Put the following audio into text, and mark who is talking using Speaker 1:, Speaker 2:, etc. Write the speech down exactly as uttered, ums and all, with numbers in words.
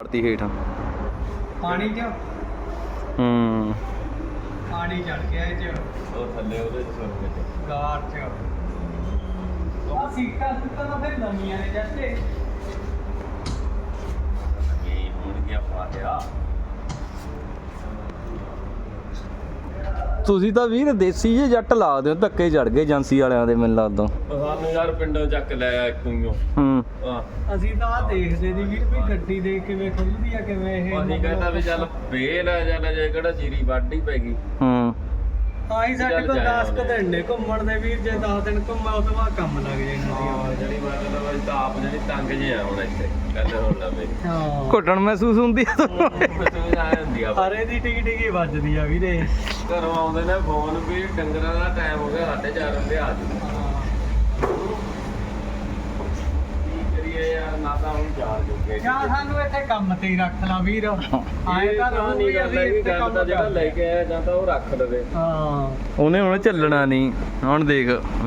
Speaker 1: ਪਾੜਤੀ ਹੇਠ
Speaker 2: ਪਾਣੀ ਚ
Speaker 1: ਹੂੰ
Speaker 2: ਪਾਣੀ ਚੜ ਗਿਆ ਇਹ ਚ
Speaker 3: ਉਹ ਥੱਲੇ ਉਹਦੇ ਚ ਸੁਣ ਕੇ
Speaker 2: ਗਾਰ ਚ ਆ ਸੀਟਾਂ ਸੁੱਟਾਂ ਤਾਂ ਫਿਰ ਨਵੀਆਂ ਨੇ ਜੱਟੇ
Speaker 3: ਕੀ ਹੁਣ ਕੀ ਫਾਟਿਆ
Speaker 1: ਤੁਸੀਂ ਤਾਂ ਵੀਰ ਦੇਸੀ ਜੇ ਜੱਟ ਲਾਦੇ ਹੋ ਧੱਕੇ ਚੜ ਗਏ ਏਜੰਸੀ ਵਾਲਿਆਂ ਦੇ ਮੈਨੂੰ ਲੱਗਦਾ
Speaker 3: ਸਾਨੂੰ ਯਾਰ ਪਿੰਡੋਂ ਚੱਕ ਲਿਆ ਇੱਕੋ ਹੀ
Speaker 1: ਹੂੰ
Speaker 3: ਹਾਂ
Speaker 2: ਅਸੀਂ ਤਾਂ ਆਹ ਦੇਖਦੇ ਦੀ ਵੀਰ ਵੀ ਗੱਡੀ ਦੇ ਕਿਵੇਂ ਖੁੱਲਦੀ ਆ ਕਿਵੇਂ ਇਹ
Speaker 3: ਅਸੀਂ ਕਹਿੰਦਾ ਵੀ ਚੱਲ ਵੇਲ ਆ ਜਾਂ ਜੇ ਕਿਹੜਾ ਜੀਰੀ ਵਾਢੀ ਪੈ ਗਈ
Speaker 1: ਹੂੰ
Speaker 2: ਆਹੀ ਸਾਡੇ
Speaker 3: ਚੱਲ
Speaker 2: ਕੋਲ
Speaker 3: ਜਾਇਆ
Speaker 2: ਦਸ ਕੁ
Speaker 3: ਉਹਨੇ।
Speaker 2: ਦਿਨ ਨੇ ਘੁੰਮਣ ਦੇ ਵੀਰ ਜੇ ਦਸ ਦਿਨ ਘੁੰਮਾ ਉਹ ਤੋਂ ਬਾਅਦ ਕੰਮ ਲੱਗ ਜਾਣਾ
Speaker 3: ਹਾਂ ਜਿਹੜੀ ਮਤਲਬ ਅਸੀਂ ਤਾਂ ਆਪ ਜਿਹੜੀ ਤੰਗ ਜੇ ਆ ਹੁਣ ਇੱਥੇ ਗੱਲ ਹੁਣ ਲਵੇ
Speaker 2: ਹਾਂ
Speaker 1: ਘੁੱਟਣ ਮਹਿਸੂਸ ਹੁੰਦੀ ਆ
Speaker 3: ਤੂੰ ਆ ਹੁੰਦੀ ਆ
Speaker 2: ਹਰੇ ਦੀ ਟਿਕੀ ਟਿਕੀ ਵੱਜਦੀ ਆ ਵੀਰੇ
Speaker 3: ਘਰੋਂ ਆਉਂਦੇ ਨੇ ਫੋਨ ਵੀ ਡੰਗਰਾਂ ਦਾ ਟਾਈਮ ਹੋ ਗਿਆ ਸਾਢੇ ਚਾਰ ਵਜੇ ਆ ਜੀ ਕੀ ਕਰੀਏ ਯਾਰ ਨਾ ਤਾਂ ਹੁਣ ਚਾਰ ਜੁਗੇ
Speaker 2: ਜਾਂ ਸਾਨੂੰ ਇੱਥੇ ਕੰਮ ਤੇ ਹੀ ਰੱਖ ਲਾ ਵੀਰ ਆਏ
Speaker 3: ਇਹ
Speaker 2: ਤਾਂ
Speaker 3: ਤਾਂ ਨਹੀਂ ਗੱਲ ਹੈ ਕਿ ਗੱਲ ਦਾ ਜਿਹੜਾ ਲੈ ਕੇ ਆਇਆ ਜਾਂ ਤਾਂ ਉਹ ਰੱਖ ਲਵੇ
Speaker 2: ਹਾਂ
Speaker 1: ਉਹਨੇ ਹੁਣ ਚੱਲਣਾ ਨਹੀਂ ਹੁਣ ਦੇਖ